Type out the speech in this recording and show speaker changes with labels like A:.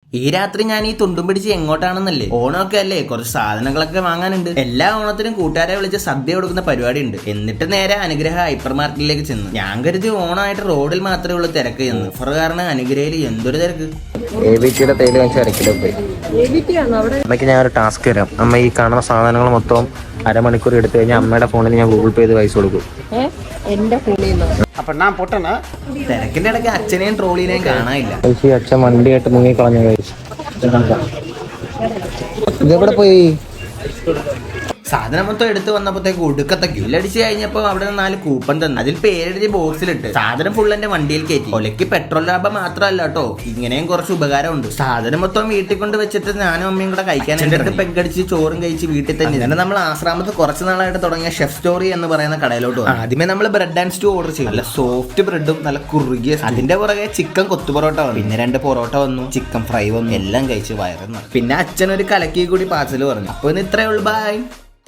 A: ഈ രാത്രി ഞാൻ ഈ തുണ്ടും പിടിച്ച് എങ്ങോട്ടാണെന്നല്ലേ? ഓണമൊക്കെ അല്ലേ, കുറച്ച് സാധനങ്ങളൊക്കെ വാങ്ങാനുണ്ട്. എല്ലാ ഓണത്തിനും കൂട്ടുകാരെ വിളിച്ച് സദ്യ കൊടുക്കുന്ന പരിപാടി ഉണ്ട്. എന്നിട്ട് നേരെ അനുഗ്രഹ ഹൈപ്പർ മാർക്കറ്റിലേക്ക് ചെന്നു. ഞാൻ കരുതി ഓണമായിട്ട് റോഡിൽ മാത്രമേ ഉള്ളൂ തിരക്ക് എന്ന്. ഓഫർ കാരണം അനുഗ്രഹയിൽ എന്തൊരു തിരക്ക്.
B: അമ്മയ്ക്ക് ഞാൻ ഒരു ടാസ്ക് തരാം. അമ്മ ഈ കാണുന്ന സാധനങ്ങൾ മൊത്തം അരമണിക്കൂർ എടുത്തു കഴിഞ്ഞാൽ അമ്മയുടെ ഫോണിൽ ഞാൻ ഗൂഗിൾ പേ ചെയ്ത് പൈസ കൊടുക്കും.
A: തിരക്കിന്റെ ഇടയ്ക്ക് അച്ഛനെയും ട്രോളിനെയും കാണാനില്ല.
B: അച്ഛൻ വണ്ടിയായിട്ട് മുങ്ങി കളഞ്ഞ കഴിച്ചു. ഇതെവിടെ പോയി?
A: സാധനം മൊത്തം എടുത്തു വന്നപ്പോഴത്തേക്ക് ഒടുക്കത്തെ ക്യൂലടിച്ച് കഴിഞ്ഞപ്പോൾ അവിടെ നിന്ന് 4 കൂപ്പൺ തന്നു. അതിൽ പേരെഴുതി ബോക്സിലിട്ട് സാധനം ഫുൾ എന്റെ വണ്ടിയിൽ കയറ്റി. ഒലയ്ക്ക് പെട്രോൾ ലാഭം മാത്രമല്ല കേട്ടോ, ഇങ്ങനെയും കുറച്ച് ഉപകാരമുണ്ട്. സാധനം മൊത്തം വീട്ടിൽ കൊണ്ട് വെച്ചിട്ട് ഞാനും അമ്മയും കൂടെ കഴിക്കാൻ എടുത്ത് പെങ്കടിച്ച് ചോറും കഴിച്ച് വീട്ടിൽ തന്നെ. അങ്ങനെ നമ്മൾ ആശ്രാമത്ത് കുറച്ച് നാളായിട്ട് തുടങ്ങിയ ഷെഫ് സ്റ്റോറി എന്ന് പറയുന്ന കടയിലോട്ട് വന്നു. ആദ്യമേ നമ്മൾ ബ്രെഡ് ആൻഡ് സ്റ്റൂ ഓർഡർ ചെയ്തു. നല്ല സോഫ്റ്റ് ബ്രെഡും നല്ല കുറുകിയ. അതിന്റെ പുറകെ ചിക്കൻ കൊത്തു പൊറോട്ട വന്നു. പിന്നെ 2 പൊറോട്ട വന്നു, ചിക്കൻ ഫ്രൈ വന്നു. എല്ലാം കഴിച്ച് വയറുന്നു. പിന്നെ അച്ഛനൊരു കലക്കി കൂടി പാർസൽ പറഞ്ഞു. അപ്പൊ ഇന്ന് ഇത്രയേ ഉള്ളൂ. ബൈ.